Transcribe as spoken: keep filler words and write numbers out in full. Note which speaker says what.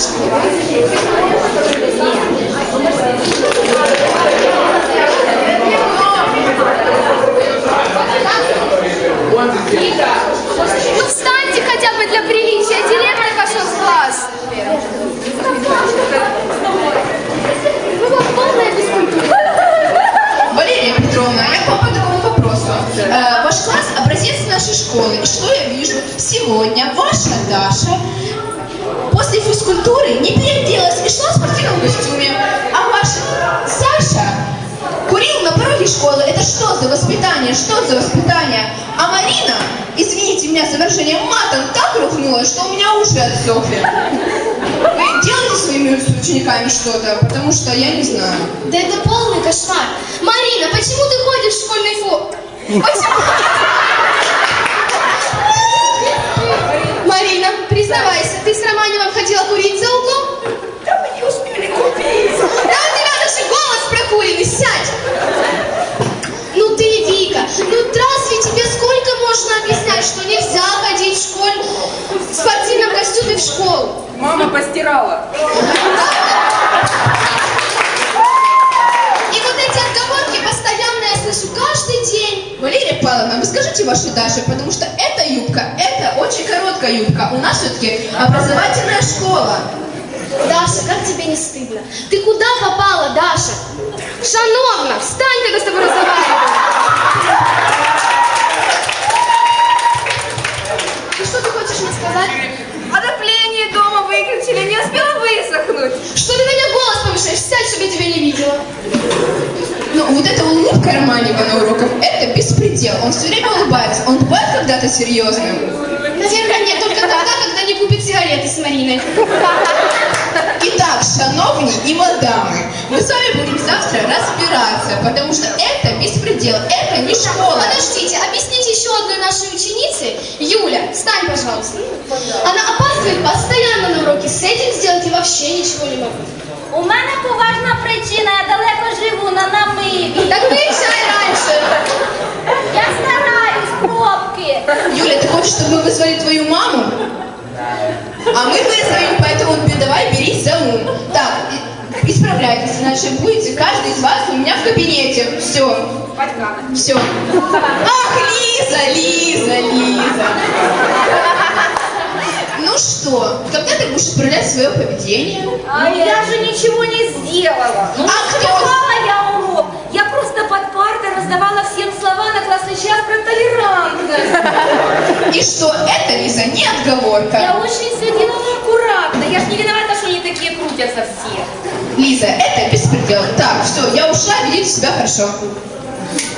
Speaker 1: Ну встаньте хотя бы для приличия. Директор пошел в класс.
Speaker 2: Валерия Петровна, я к вам по такому вопросу. Э, ваш класс – образец нашей школы. И что я вижу? Сегодня ваша Даша после физкультуры не переоделась и шла в спортивном костюме. А ваша Саша курил на пороге школы. Это что за воспитание? Что за воспитание? А Марина, извините меня за выражение, матом так рухнула, что у меня уши отсохли. Вы делаете своими учениками что-то? Потому что я не знаю.
Speaker 1: Да это полный кошмар. Марина, почему ты ходишь в школьной форме? Почему? Марина, признавайся, ты с Романевым ходила курить за углом?
Speaker 2: Да мы не успели купить.
Speaker 1: Да у тебя даже голос прокуренный, сядь! Ну ты, Вика, ну разве тебе сколько можно объяснять, что нельзя ходить в школе в спортивном костюме в школу?
Speaker 3: Мама постирала.
Speaker 1: И вот эти отговорки постоянно я слышу каждый день.
Speaker 2: Валерия Павловна, вы скажите вашей Даше, потому что эта юбка, это очень короткая юбка. У нас все-таки образовательная школа.
Speaker 1: Даша, как тебе не стыдно? Ты куда попала, Даша? Шановна, встань, когда с тобой разговариваю. И что ты хочешь мне сказать?
Speaker 3: Отопление дома выключили, не успела высохнуть.
Speaker 1: Что ты на меня голос повышаешь? Сядь, чтобы я тебя не видела.
Speaker 2: Ну, вот эта улыбка Романева на уроках, это беспредел. Он все время улыбается. Он бывает когда-то серьезным?
Speaker 1: Наверное, нет, только тогда, когда не купит сигареты с Мариной.
Speaker 2: Итак, шановни и мадамы, мы с вами будем завтра разбираться, потому что это беспредел, это не школа.
Speaker 1: Подождите, объясните еще одной нашей ученице. Юля, встань, пожалуйста. Она опаздывает постоянно на уроки. С этим сделать и вообще ничего не могу.
Speaker 4: У мене поважна причина, я далеко живу, на намиві.
Speaker 1: Так выезжай раньше.
Speaker 4: Я стараюсь, пробки.
Speaker 2: Юля, ты хочешь, чтобы мы вызвали твою маму? А мы вызовем, поэтому давай берись за ум. Так, исправляйтесь, иначе будете каждый из вас у меня в кабинете. Все. Все. Ах, Лиза, Лиза, Лиза. Ну что, когда ты будешь исправлять свое поведение?
Speaker 4: А я же ничего не сделала. Ну,
Speaker 2: А кто?
Speaker 4: успевала я урок. Я просто под партой раздавала всем слова на классный час про толерантность.
Speaker 2: И что, это, Лиза, не отговорка.
Speaker 4: Я очень все делала аккуратно. Я же не виновата, что они такие крутятся все.
Speaker 2: Лиза, это беспредел. Так, все, я ушла, ведите себя хорошо.